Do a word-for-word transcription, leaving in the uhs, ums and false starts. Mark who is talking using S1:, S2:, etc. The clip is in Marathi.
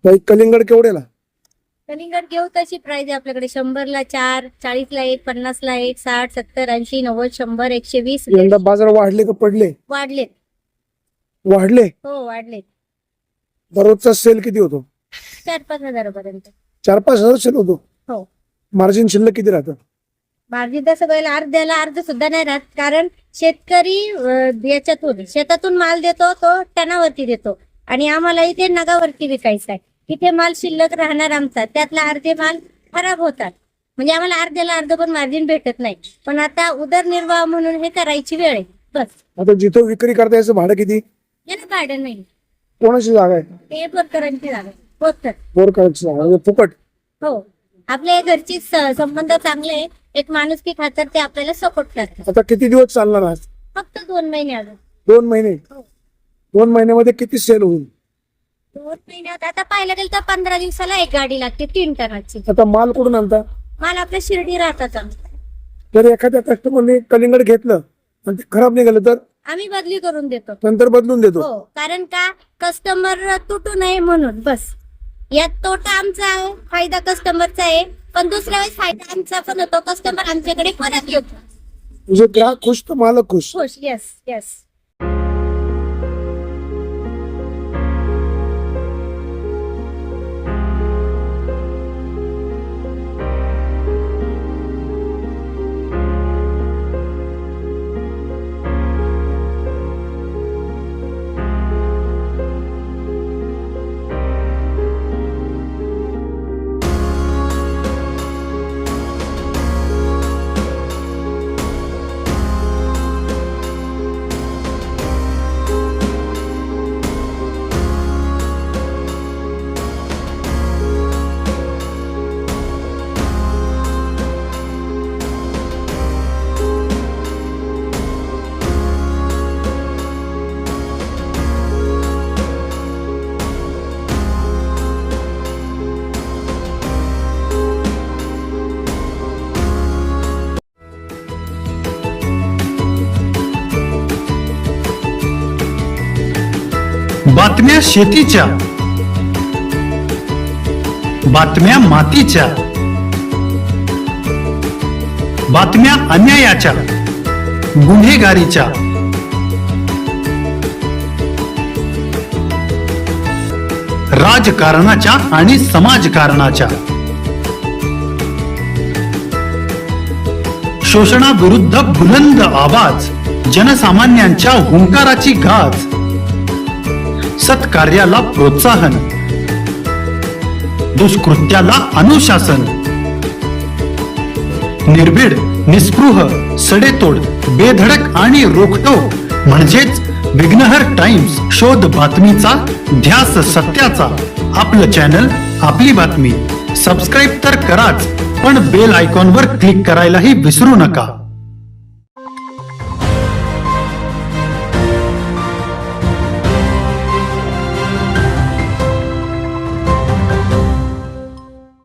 S1: बाई कलिंगड केवढ्याला?
S2: कलिंगड घेऊ तशी प्राइस आहे आपल्याकडे. शंभरला चार, चाळीसला एक, पन्नासला एक, साठ, सत्तर, ऐंशी, नव्वद, शंभर, एकशे वीस.
S1: यंदा बाजार वाढले का पडले?
S2: वाढलेत.
S1: वाढले.
S2: हो वाढलेत.
S1: दररोजचा सेल किती होतो?
S2: चार पाच हजारापर्यंत.
S1: चार पाच हजार सेल होतो.
S2: हो.
S1: मार्जिन शिल्लक किती राहतं?
S2: मार्जिन तसं बघायला अर्ध्याला अर्ध सुद्धा नाही राहत, कारण शेतकरी अं, याच्यातून शेतातून माल देतो तो टनावरती देतो आणि आम्हाला इथे नगावरती विकायचा आहे. तिथे माल शिल्लक राहणार आमचा, त्यातला अर्धे माल खराब होतात, म्हणजे आम्हाला अर्ध्याला अर्ध पण मार्जिन भेटत नाही. पण आता उदरनिर्वाह म्हणून हे करायची वेळ आहे बस.
S1: आता जिथं विक्री करता याचं भाडं किती?
S2: याला भाडं नाही.
S1: कोणाची जागा आहे?
S2: ते बोरकरांची जागा बोरकर.
S1: बोरकरांची जागा म्हणजे फुकट.
S2: हो, आपल्या घरची स- संबंध चांगले आहे. एक माणुसकी खातर ते आपल्याला सपोर्ट करतात.
S1: आता किती दिवस चालणार आज?
S2: फक्त दोन महिने अजून.
S1: दोन महिने.
S2: हो.
S1: दोन महिन्यामध्ये किती सेल होईल?
S2: दोन महिन्यात आता पाहायला गेलं तर पंधरा दिवसाला एक गाडी लागते तीन टनाची.
S1: आता माल कुठून आणता?
S2: माल आपल्या शिर्डी राहतात.
S1: जर एखाद्या कस्टमरने कलिंगड घेतलं आणि ते खराब निघालं तर
S2: आम्ही बदली करून देतो.
S1: नंतर बदलून देतो.
S2: हो, कारण का कस्टमर तुटू नये म्हणून बस. यात तोटा आमचा आहे, फायदा कस्टमरचा आहे, पण दुसऱ्या वेळेस फायदा आमचा पण होतो. कस्टमर आमच्याकडे परत येतो.
S1: म्हणजे ग्राहक खुश तर मालक खुश.
S2: खुश. Yes yes.
S3: बातम्या शेतीच्या, बातम्या मातीच्या, बातम्या अन्यायाच्या, गुन्हेगारीच्या, राजकारणाच्या आणि समाजकारणाच्या, शोषणाविरुद्ध बुलंद आवाज, जनसामान्यांच्या हुंकाराची गाज, सत्कार्याला प्रोत्साहन, दुष्कृत्याला अनुशासन, निर्भीड, निस्पृह, सडेतोड, बेधडक आणि रोखटोक म्हणजेच विघ्नहर टाइम्स. शोध बातमीचा, ध्यास सत्याचा. आपलं चॅनल, आपली बातमी. सबस्क्राईब तर कराच, पण बेल आयकॉनवर क्लिक करायलाही विसरू नका.